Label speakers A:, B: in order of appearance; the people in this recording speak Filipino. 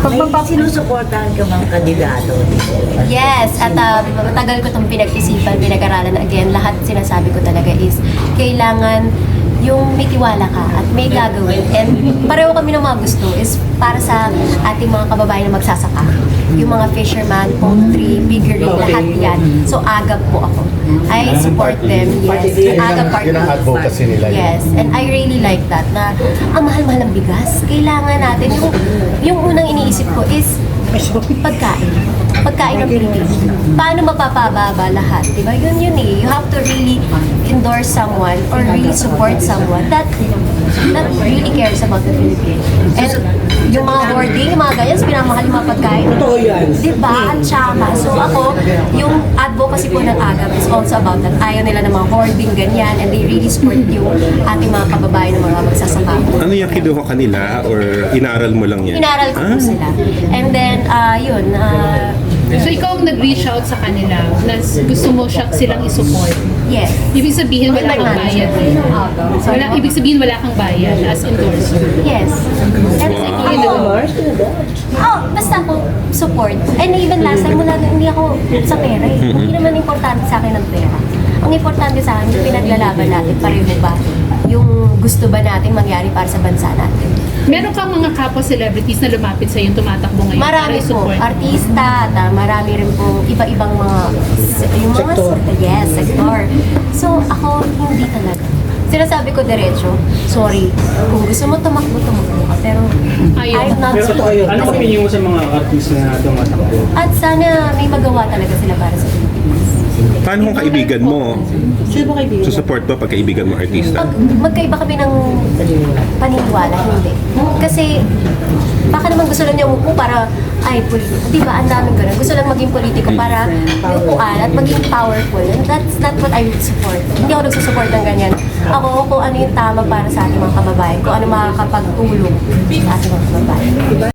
A: May sinusuportahan ka bang kandidato?
B: Yes, at matagal ko itong pinag-isipan, pinag-aralan. Again, lahat sinasabi ko talaga is kailangan yung may tiwala ka at may gagawin. And pareho kami ng mga gusto is para sa ating mga kababayan na magsasaka. Yung mga fisherman, poultry, piggery, lahat yan. So, agap po ako. I support them, yes. Agap partner.
C: Yun ang advocacy nila.
B: Yes, and I really like that na ang mahal-mahal ng bigas. Kailangan natin, yung unang iniisip ko is pagkain. Pagkain ng Pilipino. Paano mapapababa lahat? Diba? Yun eh. You have to really endorse someone or really support someone that really cares about the Philippines. And yung mga hoarding, yung mga ganyan, pinamahal yung mga pagkain.
D: Totoo yan.
B: Diba? At saka. So ako, yung advocacy po ng AGAP is also about that. Ayaw nila ng mga hoarding, ganyan, and they really support yung ating mga kababayan ng mga magsasaka.
E: Ano yung kinuha kanila or inaral mo lang yan?
B: Inaral ko po sila. And then,
F: So ikaw ang nag-reach out sa kanila na gusto mo silang isupport.
B: yes.
F: Ibig sabihin wala kang bayad. Ibig sabihin wala kang bayad as endorser.
B: Yes. And ako, basta ako support. And even last time, hindi ako sa pera eh. Hindi naman importante sa akin ang pera. Ang importante sa akin, yung pinaglalaban natin, pareho ba? Yung gusto ba natin mangyari para sa bansa natin?
F: Meron kang mga kapwa celebrities na lumapit sa yung tumatakbo ngayon
B: Marami
F: para
B: po,
F: i-support.
B: artista, at marami rin po iba-ibang mga, yung mga
D: Sektor.
B: Yes, sector. So ako, hindi talaga. Sinasabi ko diretso, sorry, kung gusto mo tumakbo ka, pero
F: Ayaw.
B: I'm not
D: Pero totoo yun.
G: Ano opinion mo sa mga artist na tumatakbo?
B: At sana may magawa talaga sila para sa Pilipinas.
E: Paano kung kaibigan mo?
D: Sino ba kaibigan?
E: Support mo pag kaibigan mo artista?
B: Magkaiba kami ng paniniwala, hindi. Kasi baka naman gusto lang niya umupo para, politiko. Di ba? Ang daming ganun. Gusto lang maging politiko para upuan at maging powerful. And that's not what I support. Hindi ako nagsusupport ng ganyan. Ako, kung ano yung tama para sa ating mga kababayan, kung ano makakapagtulong sa ating mga kababayan.